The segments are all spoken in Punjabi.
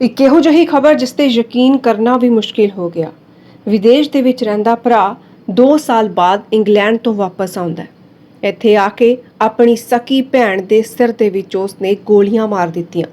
ਇੱਕ ਇਹੋ ਜਿਹੀ ਖਬਰ ਜਿਸ ਤੇ ਯਕੀਨ ਕਰਨਾ ਵੀ ਮੁਸ਼ਕਿਲ ਹੋ ਗਿਆ। ਵਿਦੇਸ਼ ਦੇ ਵਿੱਚ ਰਹਿੰਦਾ ਭਰਾ 2 ਸਾਲ ਬਾਅਦ ਇੰਗਲੈਂਡ ਤੋਂ ਵਾਪਸ ਆਉਂਦਾ ਹੈ। ਇੱਥੇ ਆ ਕੇ ਆਪਣੀ ਸਕੀ ਭੈਣ ਦੇ ਸਿਰ ਦੇ ਵਿੱਚ ਉਸਨੇ ਗੋਲੀਆਂ ਮਾਰ ਦਿੱਤੀਆਂ।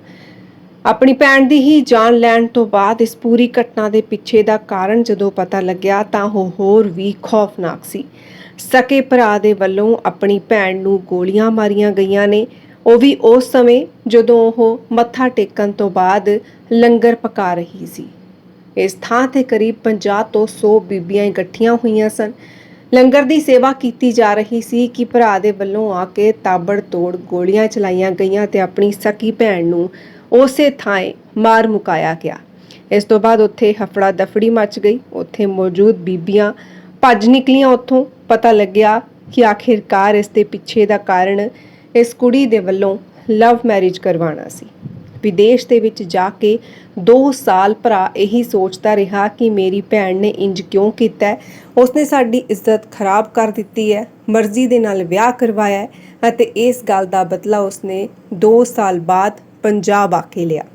ਆਪਣੀ ਭੈਣ ਦੀ ਹੀ ਜਾਨ ਲੈਣ ਤੋਂ ਬਾਅਦ ਇਸ ਪੂਰੀ ਘਟਨਾ ਦੇ ਪਿੱਛੇ ਦਾ ਕਾਰਨ ਜਦੋਂ ਪਤਾ ਲੱਗਿਆ ਤਾਂ ਉਹ ਹੋਰ ਵੀ ਖੌਫਨਾਕ ਸੀ। ਸਕੇ ਭਰਾ ਦੇ ਵੱਲੋਂ ਆਪਣੀ ਭੈਣ ਨੂੰ ਗੋਲੀਆਂ ਮਾਰੀਆਂ ਗਈਆਂ ਨੇ, ਉਹ ਵੀ ਉਸ ਸਮੇਂ ਜਦੋਂ ਉਹ ਮੱਥਾ ਟੇਕਣ ਤੋਂ ਬਾਅਦ ਲੰਗਰ ਪਕਾ ਰਹੀ ਸੀ। ਇਸ ਥਾਂ ਤੇ ਕਰੀਬ 50 ਤੋਂ 100 ਬੀਬੀਆਂ ਇਕੱਠੀਆਂ ਹੋਈਆਂ ਸਨ। ਲੰਗਰ ਦੀ ਸੇਵਾ ਕੀਤੀ ਜਾ ਰਹੀ ਸੀ ਕਿ ਭਰਾ ਦੇ ਵੱਲੋਂ ਆ ਕੇ ਤਾਬੜਤੋੜ ਗੋਲੀਆਂ ਚਲਾਈਆਂ ਗਈਆਂ ਤੇ ਆਪਣੀ ਸਕੀ ਭੈਣ ਨੂੰ ਉਸੇ ਥਾਂ ਮਾਰ ਮੁਕਾਇਆ ਗਿਆ। ਇਸ ਤੋਂ ਬਾਅਦ ਉੱਥੇ ਹਫੜਾ ਦਫੜੀ ਮਚ ਗਈ। ਉੱਥੇ ਮੌਜੂਦ ਬੀਬੀਆਂ ਭੱਜ ਨਿਕਲੀਆਂ। ਉੱਥੋਂ ਪਤਾ ਲੱਗਿਆ ਕਿ ਆਖਿਰਕਾਰ ਇਸ ਦੇ ਪਿੱਛੇ ਦਾ ਕਾਰਨ ਇਸ ਕੁੜੀ ਦੇ ਵੱਲੋਂ ਲਵ ਮੈਰਿਜ ਕਰਵਾਉਣਾ ਸੀ। ਵਿਦੇਸ਼ ਦੇ ਵਿੱਚ ਜਾ ਕੇ 2 ਸਾਲ ਭਰਾ ਇਹੀ ਸੋਚਦਾ ਰਿਹਾ ਕਿ ਮੇਰੀ ਭੈਣ ਨੇ ਇੰਜ ਕਿਉਂ ਕੀਤਾ ਹੈ, ਉਸਨੇ ਸਾਡੀ ਇੱਜ਼ਤ ਖਰਾਬ ਕਰ ਦਿੱਤੀ ਹੈ, ਮਰਜ਼ੀ ਦੇ ਨਾਲ ਵਿਆਹ ਕਰਵਾਇਆ ਹੈ ਅਤੇ ਇਸ ਗੱਲ ਦਾ ਬਦਲਾ ਉਸਨੇ 2 ਸਾਲ ਬਾਅਦ ਪੰਜਾਬ ਆ ਕੇ ਲਿਆ।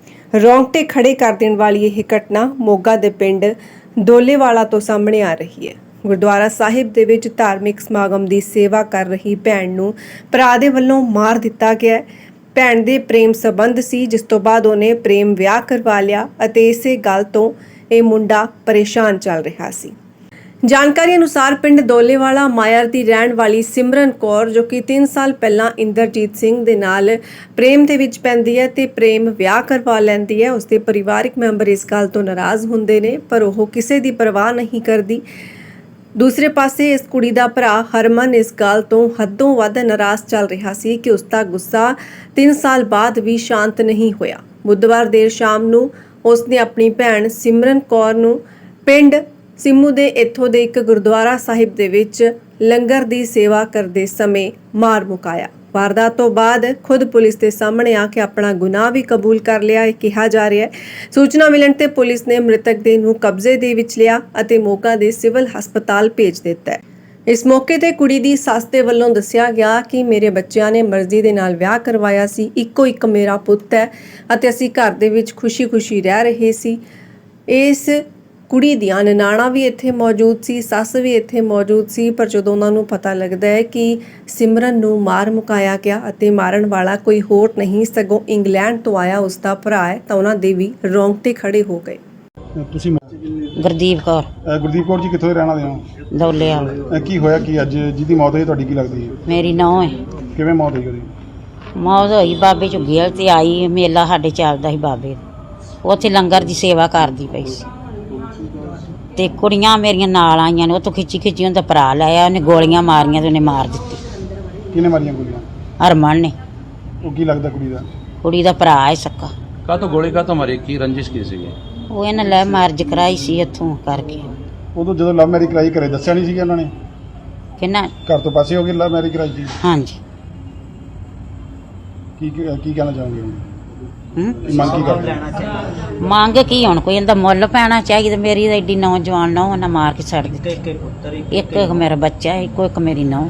ਰੌਂਗਟੇ ਖੜੇ ਕਰ ਦੇਣ ਵਾਲੀ ਇਹ ਘਟਨਾ ਮੋਗਾ ਦੇ ਪਿੰਡ ਦੋਲੇਵਾਲਾ ਤੋਂ ਸਾਹਮਣੇ ਆ ਰਹੀ ਹੈ। ਗੁਰਦੁਆਰਾ ਸਾਹਿਬ ਦੇ ਵਿੱਚ ਧਾਰਮਿਕ ਸਮਾਗਮ ਦੀ ਸੇਵਾ ਕਰ ਰਹੀ ਭੈਣ ਨੂੰ ਭਰਾ ਦੇ ਵੱਲੋਂ ਮਾਰ ਦਿੱਤਾ ਗਿਆ। ਭੈਣ ਦੇ ਪ੍ਰੇਮ ਸੰਬੰਧ ਸੀ, ਜਿਸ ਤੋਂ ਬਾਅਦ ਉਹਨੇ ਪ੍ਰੇਮ ਵਿਆਹ ਕਰਵਾ ਲਿਆ ਅਤੇ ਇਸੇ ਗੱਲ ਤੋਂ ਇਹ ਮੁੰਡਾ ਪਰੇਸ਼ਾਨ ਚੱਲ ਰਿਹਾ ਸੀ। ਜਾਣਕਾਰੀ ਅਨੁਸਾਰ ਪਿੰਡ ਦੋਲੇਵਾਲਾ ਮਾਇਰ ਦੀ ਰਹਿਣ ਵਾਲੀ ਸਿਮਰਨ ਕੌਰ, ਜੋ ਕਿ 3 ਸਾਲ ਪਹਿਲਾਂ ਇੰਦਰਜੀਤ ਸਿੰਘ ਦੇ ਨਾਲ ਪ੍ਰੇਮ ਦੇ ਵਿੱਚ ਪੈਂਦੀ ਹੈ ਤੇ ਪ੍ਰੇਮ ਵਿਆਹ ਕਰਵਾ ਲੈਂਦੀ ਹੈ। ਉਸਦੇ ਪਰਿਵਾਰਕ ਮੈਂਬਰ ਇਸ ਗੱਲ ਤੋਂ ਨਾਰਾਜ਼ ਹੁੰਦੇ ਨੇ, ਪਰ ਉਹ ਕਿਸੇ ਦੀ ਪਰਵਾਹ ਨਹੀਂ ਕਰਦੀ। ਦੂਸਰੇ ਪਾਸੇ ਇਸ ਕੁੜੀ ਦਾ ਭਰਾ ਹਰਮਨ ਇਸ ਗੱਲ ਤੋਂ ਹੱਦੋਂ ਵੱਧ ਨਾਰਾਜ਼ ਚੱਲ ਰਿਹਾ ਸੀ ਕਿ ਉਸ ਦਾ ਗੁੱਸਾ 3 ਸਾਲ ਬਾਅਦ ਵੀ ਸ਼ਾਂਤ ਨਹੀਂ ਹੋਇਆ। ਬੁੱਧਵਾਰ ਦੇਰ ਸ਼ਾਮ ਨੂੰ ਉਸਨੇ ਆਪਣੀ ਭੈਣ ਸਿਮਰਨ ਕੌਰ ਨੂੰ ਪਿੰਡ ਸਿੰਮੂ ਦੇ ਇੱਥੋਂ ਦੇ ਇੱਕ ਗੁਰਦੁਆਰਾ ਸਾਹਿਬ ਦੇ ਵਿੱਚ ਲੰਗਰ ਦੀ ਸੇਵਾ ਕਰਦੇ ਸਮੇਂ ਮਾਰ ਮੁਕਾਇਆ। ਵਾਰਦਾਤ ਤੋਂ ਬਾਅਦ ਖੁਦ ਪੁਲਿਸ ਦੇ ਸਾਹਮਣੇ ਆ ਕੇ ਆਪਣਾ ਗੁਨਾਹ ਵੀ ਕਬੂਲ ਕਰ ਲਿਆ ਇਹ ਕਿਹਾ ਜਾ ਰਿਹਾ ਹੈ। ਸੂਚਨਾ ਮਿਲਣ ਤੇ ਪੁਲਿਸ ਨੇ ਮ੍ਰਿਤਕ ਦੇ ਨੂੰ ਕਬਜ਼ੇ ਦੇ ਵਿੱਚ ਲਿਆ ਅਤੇ ਮੋਗਾ ਦੇ ਸਿਵਲ ਹਸਪਤਾਲ ਭੇਜ ਦਿੱਤਾ ਹੈ। ਇਸ ਮੌਕੇ ਤੇ ਕੁੜੀ ਦੀ ਸੱਸ ਦੇ ਵੱਲੋਂ ਦੱਸਿਆ ਗਿਆ ਕਿ ਮੇਰੇ ਬੱਚਿਆਂ ਨੇ ਮਰਜ਼ੀ ਦੇ ਨਾਲ ਵਿਆਹ ਕਰਵਾਇਆ ਸੀ, ਇੱਕੋ ਇੱਕ ਮੇਰਾ ਪੁੱਤ ਹੈ ਅਤੇ ਅਸੀਂ ਘਰ ਦੇ ਵਿੱਚ ਖੁਸ਼ੀ-ਖੁਸ਼ੀ ਰਹਿ ਰਹੇ ਸੀ। ਇਸ ਕੁੜੀ ਦੀਆਂ ਨਨਾਣਾਂ ਵੀ ਇੱਥੇ ਮੌਜੂਦ ਸੀ, ਸੱਸ ਵੀ ਇੱਥੇ ਮੌਜੂਦ ਸੀ, ਪਰ ਜਦੋਂ ਉਹਨਾਂ ਨੂੰ ਪਤਾ ਲੱਗਦਾ ਹੈ ਕਿ ਸਿਮਰਨ ਨੂੰ ਮਾਰ ਮੁਕਾਇਆ ਗਿਆ ਅਤੇ ਮਾਰਨ ਵਾਲਾ ਕੋਈ ਹੋਰ ਨਹੀਂ ਸਗੋਂ ਇੰਗਲੈਂਡ ਤੋਂ ਆਇਆ ਉਸ ਦਾ ਭਰਾ ਹੈ, ਤਾਂ ਉਹਨਾਂ ਦੇ ਵੀ ਰੌਂਗਟੇ ਖੜੇ ਹੋ ਗਏ। ਤੁਸੀਂ ਗੁਰਦੀਪ ਕੌਰ ਗੁਰਦੀਪ ਕੌਰ ਜੀ ਕਿੱਥੋਂ ਦੇ ਰਹਿਣ ਵਾਲੇ ਹੋ? ਦੌਲੇ ਵਾਲਾ। ਕੀ ਹੋਇਆ ਕਿ ਅੱਜ ਜਿਹਦੀ ਮੌਤ ਹੋਈ ਤੁਹਾਡੀ ਕੀ ਲੱਗਦੀ ਹੈ? ਮੇਰੀ ਨੂੰਹ ਹੈ। ਕਿਵੇਂ ਮੌਤ ਹੋਈ ਉਹਦੀ? ਮੌਤ ਹੋਈ ਬਾਬੇ ਝੁੱਗੀ ਵਾਲੇ ਤੇ ਆਈ, ਮੇਲਾ ਸਾਡੇ ਚੱਲਦਾ ਸੀ ਬਾਬੇ ਦਾ, ਉੱਥੇ ਲੰਗਰ ਦੀ ਸੇਵਾ ਕਰਦੀ ਪਈ ਸੀ ਤੇ ਕੁੜੀਆਂ ਮੇਰੀਆਂ ਨਾਲ ਆਈਆਂ ਨੇ, ਉੱਥੋਂ ਖਿੱਚੀ ਉਹਦਾ ਭਰਾ ਲੈ ਆਇਆ, ਉਹਨੇ ਗੋਲੀਆਂ ਮਾਰੀਆਂ ਤੇ ਉਹਨੇ ਮਾਰ ਦਿੱਤੀ। ਕਿਹਨੇ ਮਾਰੀਆਂ ਗੋਲੀਆਂ? ਹਰਮਨ ਨੇ। ਉਹ ਕੀ ਲੱਗਦਾ ਕੁੜੀ ਦਾ? ਕੁੜੀ ਦਾ ਭਰਾ ਹੈ ਸਕਾ। ਕਾਹਤੋਂ ਗੋਲੀ ਕਾਹਤੋਂ ਮਾਰੀ? ਕੀ ਰੰਜਿਸ਼ ਕੀ ਸੀਗੀ? ਉਹ ਇਹਨੇ ਲੈ ਮੈਰਿਜ ਕਰਾਈ ਸੀ ਇੱਥੋਂ ਕਰਕੇ। ਉਦੋਂ ਜਦੋਂ ਲਵ ਮੈਰਿਜ ਕਰਾਈ ਘਰੇ ਦੱਸਿਆ ਨਹੀਂ ਸੀਗਾ ਉਹਨਾਂ ਨੇ? ਕਿੰਨਾ? ਘਰ ਤੋਂ ਪਾਸੇ ਹੋ ਗਈ ਲਵ ਮੈਰਿਜ ਕਰਾਈ ਸੀ? ਹਾਂਜੀ। ਕੀ ਕਹਿਣਾ ਚਾਹੋਗੇ? ਮੰਗ ਕੀ ਕਰਦੇ? ਮੰਗ ਕੀ ਹੁਣ ਕੋਈ ਇਹਦਾ ਮੁੱਲ ਪੈਣਾ ਚਾਹੀਦਾ। ਮੇਰੀ ਤਾਂ ਐਡੀ ਨੌਜਵਾਨ ਨੂੰਹ ਉਹਨਾਂ ਮਾਰ ਕੇ ਛੱਡ ਦਿੱਤੀ। ਇੱਕ ਮੇਰਾ ਬੱਚਾ, ਇੱਕ ਮੇਰੀ ਨੂੰਹ।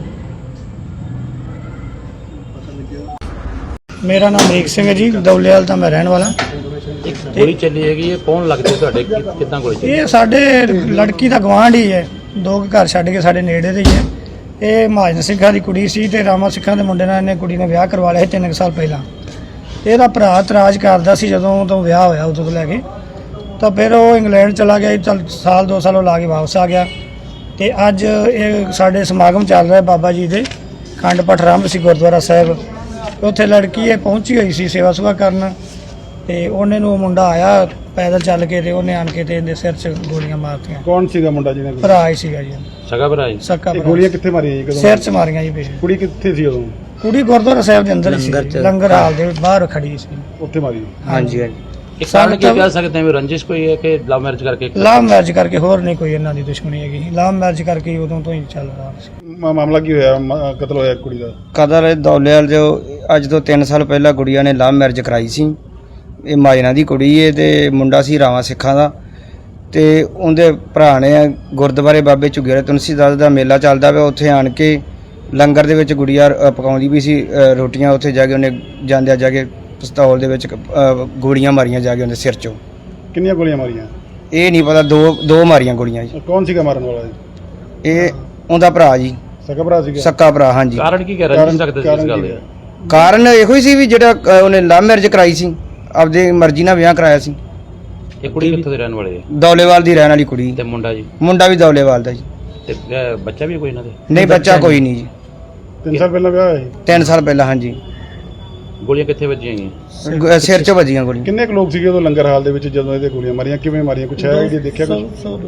ਮੇਰਾ ਨਾਮ ਅਮਰੀਕ ਸਿੰਘ ਹੈ ਜੀ, ਦੌਲੇਵਾਲ ਦਾ ਮੈਂ ਰਹਿਣ ਵਾਲਾ। ਗੋਲੀ ਚੱਲੀ ਹੈਗੀ, ਇਹ ਕੌਣ ਲੱਗਦੇ ਤੁਹਾਡੇ? ਕਿੱਦਾਂ ਗੋਲੀ ਚੱਲੀ? ਇਹ ਸਾਡੇ ਲੜਕੀ ਦਾ ਗਵਾਂਢ ਹੀ ਹੈ, 2 ਘਰ ਛੱਡ ਕੇ ਸਾਡੇ ਨੇੜੇ ਦੇ ਹੀ ਹੈ। ਇਹ ਮਹਾਜਨ ਸਿੰਘਾਂ ਦੀ ਕੁੜੀ ਸੀ ਤੇ ਰਾਮਾ ਸਿੰਘਾਂ ਦੇ ਮੁੰਡੇ ਨਾਲ ਇਹਨੇ ਕੁੜੀ ਨੇ ਵਿਆਹ ਕਰਵਾ ਲਿਆ 3 ਸਾਲ ਪਹਿਲਾਂ। ਇਹਦਾ ਭਰਾ ਇਤਰਾਜ਼ ਕਰਦਾ ਸੀ ਜਦੋਂ ਤੋਂ ਵਿਆਹ ਹੋਇਆ ਉਦੋਂ ਤੋਂ ਲੈ ਕੇ, ਤਾਂ ਫਿਰ ਉਹ ਇੰਗਲੈਂਡ ਚਲਾ ਗਿਆ। ਚੱਲ ਸਾਲ 2 ਸਾਲ ਉਹ ਲਾ ਕੇ ਵਾਪਸ ਆ ਗਿਆ ਤੇ ਅੱਜ ਇਹ ਸਾਡੇ ਸਮਾਗਮ ਚੱਲ ਰਿਹਾ ਬਾਬਾ ਜੀ ਦੇ ਖੰਡ ਪਾਠ ਆਰੰਭ ਸੀ ਗੁਰਦੁਆਰਾ ਸਾਹਿਬ। ਉੱਥੇ ਲੜਕੀ ਇਹ ਪਹੁੰਚੀ ਹੋਈ ਸੀ ਸੇਵਾ ਸੁਭਾ ਕਰਨ ਤੇ ਉਹਨੇ ਨੂੰ ਮੁੰਡਾ ਆਇਆ ਪੈਦਲ ਚੱਲ ਕੇ ਤੇ ਉਹਨੇ ਆਣ ਕੇ ਤੇ ਇਹਦੇ ਸਿਰ 'ਚ ਗੋਲੀਆਂ ਮਾਰਤੀਆਂ। ਕੌਣ ਸੀਗਾ ਮੁੰਡਾ ਜਿਹਨੇ? ਭਰਾ ਹੀ ਸੀਗਾ ਜੀ, ਸਗਾ ਭਰਾ ਜੀ। ਸਕਾ ਭਰਾ। ਗੋਲੀਆਂ ਕਿੱਥੇ ਮਾਰੀਆਂ ਜੀ? ਕਦੋਂ? ਸਿਰ 'ਚ ਮਾਰੀਆਂ ਜੀ ਪਿੱਛੇ। ਕੁੜੀ ਕਿੱਥੇ ਸੀ ਉਦੋਂ? ਕੁੜੀ ਗੁਰਦੁਆਰਾ ਸਾਹਿਬ ਦੇ ਅੰਦਰ ਹੀ ਸੀ, ਲੰਗਰ ਹਾਲ ਦੇ ਬਾਹਰ ਖੜੀ ਸੀ। ਉੱਥੇ ਮਾਰੀ? ਹਾਂਜੀ। ਇਹ ਕਾਰਨ ਕੀ ਕਹਿ ਸਕਦੇ ਹਾਂ? ਰੰਜਿਸ਼ ਕੋਈ ਹੈ ਕਿ ਲਵ ਮੈਰਿਜ ਕਰਕੇ? ਲਵ ਮੈਰਿਜ ਕਰਕੇ, ਹੋਰ ਨਹੀਂ ਕੋਈ ਇਹਨਾਂ ਦੀ ਦੁਸ਼ਮਣੀ ਹੈਗੀ। ਲਵ ਮੈਰਿਜ ਕਰਕੇ ਉਦੋਂ ਤੋਂ ਹੀ ਚੱਲ ਰਿਹਾ ਸੀ। ਮਾਮਲਾ ਕੀ ਹੋਇਆ? ਕਤਲ ਹੋਇਆ ਕੁੜੀ ਦਾ? ਕਦਰ ਦੌਲੇਵਾਲ ਜੋ ਅੱਜ ਤੋਂ 3 ਸਾਲ ਪਹਿਲਾਂ ਗੁੜੀਆ ਨੇ ਲਵ ਮੈਰਿਜ ਕਰਾਈ ਸੀ। ਇਹ ਮਾਜਨਾ ਦੀ ਕੁੜੀ ਏ ਤੇ ਮੁੰਡਾ ਸੀ ਰਾਵਾਂ ਸਿੱਖਾਂ ਦਾ ਤੇ ਉਹਦੇ ਭਰਾ ਨੇ ਗੁਰਦੁਆਰੇ ਬਾਬੇ ਝੁੱਗੀ ਵਾਲੇ ਤੁਲਸੀਦਾਸ ਦਾ ਮੇਲਾ ਚੱਲਦਾ ਪਿਆ, ਉੱਥੇ ਆਣ ਕੇ ਲੰਗਰ ਦੇ ਵਿੱਚ ਗੁੜੀਆ ਪਕਾਉਂਦੀ ਵੀ ਸੀ ਰੋਟੀਆਂ। ਉੱਥੇ ਜਾ ਕੇ ਉਹਨੇ ਜਾਂਦਿਆਂ ਜਾ ਕੇ ਪਿਸਤੌਲ ਦੇ ਵਿੱਚ ਗੋਲੀਆਂ ਮਾਰੀਆਂ ਜਾ ਕੇ ਉਹਦੇ ਸਿਰ 'ਚੋਂ। ਕਿੰਨੀਆਂ ਗੋਲੀਆਂ ਮਾਰੀਆਂ? ਇਹ ਨਹੀਂ ਪਤਾ, ਦੋ ਮਾਰੀਆਂ ਗੋਲੀਆਂ ਜੀ। ਕੌਣ ਸੀਗਾ ਮਾਰਨ ਵਾਲਾ ਜੀ? ਇਹ ਉਹਦਾ ਭਰਾ ਜੀ, ਸਕਾ ਭਰਾ ਸੀਗਾ? ਸੱਕਾ ਭਰਾ, ਹਾਂਜੀ। ਕਾਰਨ ਕੀ ਕਹਿ ਰੰਜਿਸ਼ ਰੱਖਦੇ ਸੀ ਇਸ ਗੱਲ ਦੇ? ਕਾਰਨ ਇਹੋ ਹੀ ਸੀ ਵੀ ਜਿਹੜਾ ਉਹਨੇ ਲਵ ਮੈਰਿਜ ਕਰਾਈ ਸੀ, ਆਪਦੀ ਮਰਜ਼ੀ ਨਾਲ ਵਿਆਹ ਕਰਾਇਆ ਸੀ। ਇਹ ਕੁੜੀ ਕਿੱਥੋਂ ਦੇ ਰਹਿਣ ਵਾਲੇ ਹੈ? ਦੌਲੇਵਾਲ ਦੀ ਰਹਿਣ ਵਾਲੀ ਕੁੜੀ। ਤੇ ਮੁੰਡਾ ਜੀ? ਮੁੰਡਾ ਵੀ ਦੌਲੇਵਾਲ ਦਾ ਜੀ। ਤੇ ਬੱਚਾ ਵੀ ਕੋਈ ਇਹਨਾਂ ਦੇ? ਨਹੀਂ, ਬੱਚਾ ਕੋਈ ਨਹੀਂ ਜੀ। 3 ਸਾਲ ਪਹਿਲਾਂ ਵਿਆਹ ਹੋਇਆ ਸੀ? 3 ਸਾਲ ਪਹਿਲਾਂ, ਹਾਂਜੀ। ਗੋਲੀਆਂ ਕਿੱਥੇ ਵੱਜੀਆਂ ਗਈਆਂ? ਸਿਰ 'ਚ ਵੱਜੀਆਂ ਗੋਲੀਆਂ। ਕਿੰਨੇ ਕੁ ਲੋਕ ਸੀਗੇ ਉਦੋਂ ਲੰਗਰ ਹਾਲ ਦੇ ਵਿੱਚ ਜਦੋਂ ਇਹਦੇ ਗੋਲੀਆਂ ਮਾਰੀਆਂ? ਕਿਵੇਂ ਮਾਰੀਆਂ, ਕੁਛ ਹੈ ਜੀ ਦੇਖਿਆ ਕੁਛ?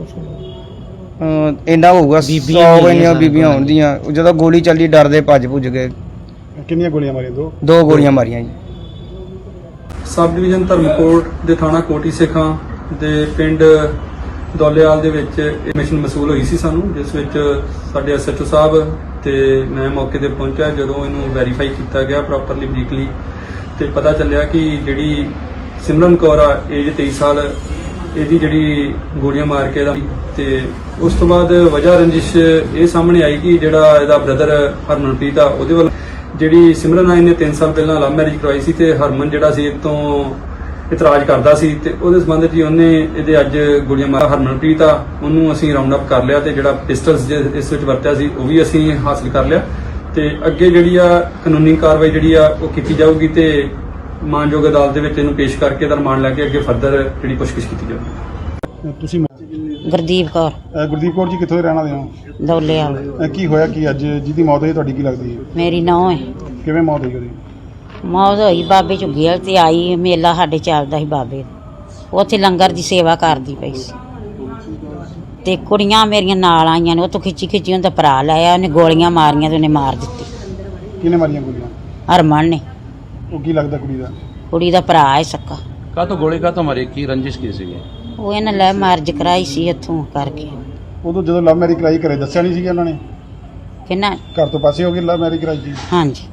ਇੰਨਾ ਹੋਊਗਾ, 100 ਇੰਨੀਆਂ ਬੀਬੀਆਂ ਹੁੰਦੀਆਂ। ਜਦੋਂ ਗੋਲੀ ਚੱਲੀ ਡਰਦੇ ਭੱਜ ਭੁੱਜ ਗਏ। ਕਿੰਨੀਆਂ ਗੋਲੀਆਂ ਮਾਰੀਆਂ? ਦੋ ਗੋਲੀਆਂ ਮਾਰੀਆਂ ਜੀ। ਸਬ ਡਿਵੀਜ਼ਨ ਧਰਮਕੋਟ ਦੇ ਥਾਣਾ ਕੋਟੀ ਸੇਖਾਂ ਦੇ ਪਿੰਡ ਦੌਲੇਵਾਲ ਦੇ ਵਿੱਚ ਇਹ ਮਿਸ਼ਨ ਮਸੂਲ ਹੋਈ ਸੀ ਸਾਨੂੰ, ਜਿਸ ਵਿੱਚ ਸਾਡੇ ਐਸਐਚਓ ਸਾਹਿਬ ਤੇ ਮੈਂ ਮੌਕੇ ਤੇ ਪਹੁੰਚਿਆ। ਜਦੋਂ ਇਹਨੂੰ ਵੈਰੀਫਾਈ ਕੀਤਾ ਗਿਆ ਪ੍ਰੋਪਰਲੀ ਬਰੀਕਲੀ, ਤੇ ਪਤਾ ਚੱਲਿਆ ਕਿ ਜਿਹੜੀ ਸਿਮਰਨ ਕੌਰ ਆ, ਏਜ 23 ਸਾਲ, ਇਹਦੀ ਜਿਹੜੀ ਗੋਲੀਆਂ ਮਾਰ ਕੇ ਦਾ, ਤੇ ਉਸ ਤੋਂ ਬਾਅਦ ਵਜ੍ਹਾ ਰੰਜਿਸ਼ ਇਹ ਸਾਹਮਣੇ ਆਈ ਕਿ ਜਿਹੜਾ ਇਹਦਾ ਬ੍ਰਦਰ ਹਰਮਨਪ੍ਰੀਤ ਆ, ਉਹਦੇ ਵੱਲ ਜਿਹੜੀ ਸਿਮਰਨ ਆ, ਇਹਨੇ 3 ਸਾਲ ਪਹਿਲਾਂ ਲਵ ਮੈਰਿਜ ਕਰਵਾਈ ਸੀ, ਤੇ ਹਰਮਨ ਜਿਹੜਾ ਸੀ ਇਹ ਤੋਂ ਇਤਰਾਜ਼ ਕਰਦਾ ਸੀ, ਤੇ ਉਹਦੇ ਸੰਬੰਧ 'ਚ ਹੀ ਉਹਨੇ ਇਹਦੇ ਅੱਜ ਗੋਲੀਆਂ ਮਾਰ। ਹਰਮਨਪ੍ਰੀਤ ਆ, ਉਹਨੂੰ ਅਸੀਂ ਰਾਉਂਡ ਅਪ ਕਰ ਲਿਆ, ਤੇ ਜਿਹੜਾ ਪਿਸਟਲਸ ਇਸ ਵਿੱਚ ਵਰਤਿਆ ਸੀ ਉਹ ਵੀ ਅਸੀਂ ਹਾਸਲ ਕਰ ਲਿਆ, ਤੇ ਅੱਗੇ ਜਿਹੜੀ ਆ ਕਾਨੂੰਨੀ ਕਾਰਵਾਈ ਜਿਹੜੀ ਆ ਉਹ ਕੀਤੀ ਜਾਊਗੀ, ਤੇ ਮਾਨਯੋਗ ਅਦਾਲਤ ਦੇ ਵਿੱਚ ਇਹਨੂੰ ਪੇਸ਼ ਕਰਕੇ ਇਹਦਾ ਰਿਮਾਂਡ ਲੈ ਕੇ ਅੱਗੇ ਫਰਦਰ ਜਿਹੜੀ ਪੁੱਛਗਿੱਛ ਕੀਤੀ ਜਾਊਗੀ। ਤੁਸੀਂ ਗੁਰਦੀਪ ਕੌਰ, ਗੁਰਦੀਪ ਕੌਰ ਜੀ ਕਿੱਥੋਂ ਦੇ ਰਹਿਣ ਵਾਲੇ ਹੋ? ਦੌਲੇਵਾਲ। ਕੀ ਹੋਇਆ ਕੀ ਅੱਜ ਜਿਹਦੀ ਮੌਤ ਹੋਈ ਤੁਹਾਡੀ ਕੀ ਲੱਗਦੀ ਹੈ? ਮੇਰੀ ਨੂੰਹ ਹੈ। ਕਿਵੇਂ ਮੌਤ ਹੋਈ ਉਹਦੀ? ਮੌਤ ਹੋਈ ਬਾਬੇ ਝੁੱਗੀਆਂ ਤੇ ਆਈ, ਮੇਲਾ ਸਾਡੇ ਚੱਲਦਾ ਸੀ ਬਾਬੇ ਦਾ। ਉੱਥੇ ਲੰਗਰ ਦੀ ਸੇਵਾ ਕਰਦੀ ਪਈ ਸੀ, ਤੇ ਕੁੜੀਆਂ ਮੇਰੀਆਂ ਨਾਲ ਆਈਆਂ ਨੇ। ਉਹ ਤੋਂ ਖਿੱਚੀ ਉਹਦਾ ਭਰਾ ਲਾਇਆ, ਉਹਨੇ ਗੋਲੀਆਂ ਮਾਰੀਆਂ ਤੇ ਉਹਨੇ ਮਾਰ ਦਿੱਤੀ। ਕਿਹਨੇ ਮਾਰੀਆਂ ਗੋਲੀਆਂ? ਹਰਮਨ ਨੇ। ਉਹ ਕੀ ਲੱਗਦਾ ਕੁੜੀ ਦਾ? ਕੁੜੀ ਦਾ ਭਰਾ ਹੈ ਸੱਕਾ। ਕਾਹਤੋਂ ਗੋਲੀ ਕਾਹਤੋਂ ਮਾਰੀ? ਕੀ ਰੰਜਿਸ਼ ਕੀ ਸੀਗੀ? ਉਹ ਇਹਨਾਂ ਲੈ ਮੈਰਿਜ ਕਰਾਈ ਸੀ ਇੱਥੋਂ ਕਰਕੇ। ਉਦੋਂ ਜਦੋਂ ਲਵ ਮੈਰਿਜ ਕਰਾਈ ਘਰੇ ਦੱਸਿਆ ਨਹੀਂ ਸੀਗਾ ਉਹਨਾਂ ਨੇ? ਕਿੰਨਾ? ਘਰ ਤੋਂ ਪਾਸੇ ਹੋ ਗਏ ਲਵ ਮੈਰਿਜ ਕਰਾਈ ਜੀ? ਹਾਂਜੀ।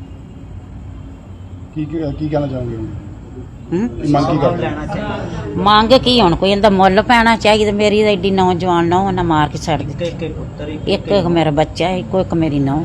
ਕੀ ਕਹਿਣਾ ਚਾਹੋਗੇ? ਹੂੰ? ਮੰਗ ਕੀ ਕਰਦੇ? ਮੰਗ ਕੀ ਹੁਣ, ਕੋਈ ਇਹਦਾ ਮੁੱਲ ਪੈਣਾ ਚਾਹੀਦਾ। ਮੇਰੀ ਤਾਂ ਐਡੀ ਨੌਜਵਾਨ ਨੌ ਉਹਨਾਂ ਮਾਰ ਕੇ ਛੱਡ ਦਿੱਤੀ। ਇੱਕ ਮੇਰਾ ਬੱਚਾ, ਇੱਕ ਮੇਰੀ ਨੌ।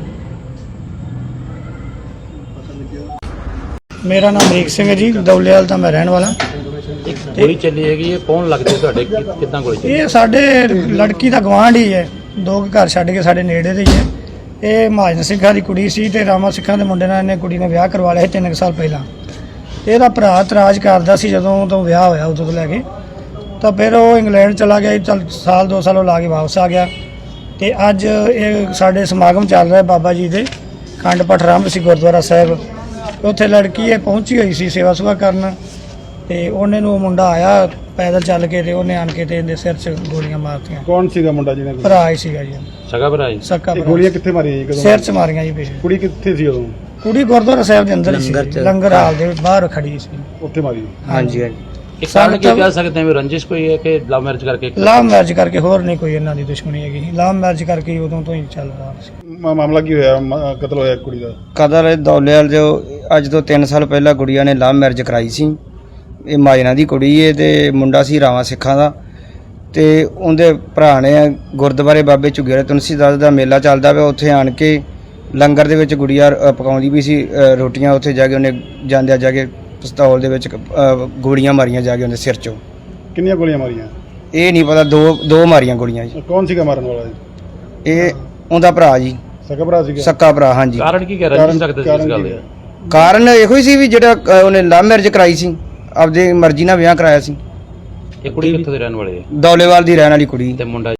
ਮੇਰਾ ਨਾਮ ਅਮਰੀਕ ਸਿੰਘ ਹੈ ਜੀ, ਦੌਲੇਵਾਲ ਦਾ ਮੈਂ ਰਹਿਣ ਵਾਲਾ। ਇੱਕ ਗੋਲੀ ਚੱਲੀ ਹੈਗੀ, ਇਹ ਕੌਣ ਲੱਗਦੇ ਤੁਹਾਡੇ? ਕਿੱਦਾਂ ਗੋਲੀ ਚੱਲੀ? ਇਹ ਸਾਡੇ ਲੜਕੀ ਦਾ ਗਵਾਂਢ ਹੀ ਹੈ, 2 ਘਰ ਛੱਡ ਕੇ ਸਾਡੇ ਨੇੜੇ ਦੇ ਹੀ ਹੈ। ਇਹ ਮਹਾਜਨ ਸਿੰਘਾਂ ਦੀ ਕੁੜੀ ਸੀ, ਤੇ ਰਾਮਾ ਸਿੰਘਾਂ ਦੇ ਮੁੰਡੇ ਨਾਲ ਇਹਨੇ ਕੁੜੀ ਨੇ ਵਿਆਹ ਕਰਵਾ ਲਿਆ ਸੀ 3 ਸਾਲ ਪਹਿਲਾਂ। ਇਹਦਾ ਭਰਾ ਇਤਰਾਜ਼ ਕਰਦਾ ਸੀ ਜਦੋਂ ਤੋਂ ਵਿਆਹ ਹੋਇਆ ਉਦੋਂ ਤੋਂ ਲੈ ਕੇ, ਤਾਂ ਫਿਰ ਉਹ ਇੰਗਲੈਂਡ ਚਲਾ ਗਿਆ। ਚੱਲ ਸਾਲ 2 ਸਾਲ ਉਹ ਲਾ ਕੇ ਵਾਪਸ ਆ ਗਿਆ, ਤੇ ਅੱਜ ਇਹ ਸਾਡੇ ਸਮਾਗਮ ਚੱਲ ਰਿਹਾ ਬਾਬਾ ਜੀ ਦੇ ਖੰਡ ਪਾਠ ਆਰੰਭ ਸੀ ਗੁਰਦੁਆਰਾ ਸਾਹਿਬ। ਉੱਥੇ ਲੜਕੀ ਇਹ ਪਹੁੰਚੀ ਹੋਈ ਸੀ ਸੇਵਾ ਸੁਭਾ ਕਰਨ, ਤੇ ਉਹਨੇ ਨੂੰ ਮੁੰਡਾ ਆਇਆ ਪੈਦਲ ਚੱਲ ਕੇ, ਤੇ ਉਹਨੇ ਆਣ ਕੇ ਤੇ ਇਹਦੇ ਸਿਰ 'ਚ ਗੋਲੀਆਂ ਮਾਰਤੀਆਂ। ਕੌਣ ਸੀਗਾ ਮੁੰਡਾ ਜਿਹਨੇ? ਭਰਾ ਹੀ ਸੀਗਾ ਜੀ, ਸਗਾ ਭਰਾ ਜੀ? ਸੱਕਾ ਇਹ ਭਰਾ। ਗੋਲੀਆਂ ਕਿੱਥੇ ਮਾਰੀਆਂ ਜੀ? ਕਦੋਂ? ਸਿਰ 'ਚ ਮਾਰੀਆਂ ਜੀ ਪਿੱਛੇ। ਕੁੜੀ ਕਿੱਥੇ ਸੀ ਉਦੋਂ? ਕੁੜੀ ਗੁਰਦੁਆਰਾ ਸਾਹਿਬ ਦੇ ਅੰਦਰ ਹੀ ਸੀ, ਲੰਗਰ ਹਾਲ ਦੇ ਬਾਹਰ ਖੜੀ ਸੀ। ਉੱਥੇ ਮਾਰੀ? ਹਾਂਜੀ, ਹਾਂਜੀ। ਇਹ ਕਾਰਨ ਕੀ ਕਹਿ ਸਕਦੇ ਹਾਂ ਵੀ ਰੰਜਿਸ਼ ਕੋਈ ਹੈ ਕਿ ਲਵ ਮੈਰਿਜ ਕਰਕੇ? ਲਵ ਮੈਰਿਜ ਕਰਕੇ, ਹੋਰ ਨਹੀਂ ਕੋਈ ਇਹਨਾਂ ਦੀ ਦੁਸ਼ਮਣੀ ਹੈਗੀ। ਲਵ ਮੈਰਿਜ ਕਰਕੇ ਹੀ ਉਦੋਂ ਤੋਂ ਹੀ ਚੱਲ ਰਿਹਾ ਸੀ। ਮਾਮਲਾ ਕੀ ਹੋਇਆ? ਕਤਲ ਹੋਇਆ ਕੁੜੀ ਦਾ? ਕਦਰ ਦੌਲੇਵਾਲ ਜੋ ਅੱਜ ਤੋਂ 3 ਸਾਲ ਪਹਿਲਾਂ ਗੁੜੀਆ ਨੇ ਲਵ ਮੈਰਿਜ ਕਰਾਈ ਸੀ। ਇਹ ਮਾਜਨਾ ਦੀ ਕੁੜੀ ਏ, ਤੇ ਮੁੰਡਾ ਸੀ ਰਾਵਾਂ ਸਿੱਖਾਂ ਦਾ, ਤੇ ਉਹਦੇ ਭਰਾ ਨੇ ਗੁਰਦੁਆਰੇ ਬਾਬੇ ਝੁੱਗੀਆਂ ਤੁਲਸੀਦਾਸ ਦਾ ਮੇਲਾ ਚੱਲਦਾ ਪਿਆ, ਉੱਥੇ ਆਣ ਕੇ ਲੰਗਰ ਦੇ ਵਿੱਚ ਗੁੜੀਆ ਪਕਾਉਂਦੀ ਵੀ ਸੀ ਰੋਟੀਆਂ। ਉੱਥੇ ਜਾ ਕੇ ਉਹਨੇ ਜਾਂਦਿਆਂ ਜਾ ਕੇ ਪਿਸਤੌਲ ਦੇ ਵਿੱਚ ਗੋਲੀਆਂ ਮਾਰੀਆਂ ਜਾ ਕੇ ਉਹਦੇ ਸਿਰ 'ਚੋਂ। ਕਿੰਨੀਆਂ ਗੋਲੀਆਂ ਮਾਰੀਆਂ? ਇਹ ਨਹੀਂ ਪਤਾ, ਦੋ ਮਾਰੀਆਂ ਗੋਲੀਆਂ ਜੀ। ਕੌਣ ਸੀਗਾ ਮਾਰਨ ਵਾਲਾ ਜੀ? ਇਹ ਉਹਦਾ ਭਰਾ ਜੀ, ਸਕਾ ਭਰਾ ਸੀਗਾ? ਸੱਕਾ ਭਰਾ, ਹਾਂਜੀ। ਕਾਰਨ ਕੀ ਕਹਿ ਰੰਜਿਸ਼ ਰੱਖਦੇ ਸੀ ਇਸ ਗੱਲ ਦੇ? ਕਾਰਨ ਇਹੋ ਹੀ ਸੀ ਵੀ ਜਿਹੜਾ ਉਹਨੇ ਲਵ ਮੈਰਿਜ ਕਰਾਈ ਸੀ, ਆਪਦੀ ਮਰਜ਼ੀ ਨਾਲ ਵਿਆਹ ਕਰਾਇਆ ਸੀ। ਇਹ ਕੁੜੀ ਕਿੱਥੋਂ ਦੇ ਰਹਿਣ ਵਾਲੇ ਹੈ? ਦੌਲੇਵਾਲ ਦੀ ਰਹਿਣ ਵਾਲੀ ਕੁੜੀ। ਤੇ ਮੁੰਡਾ?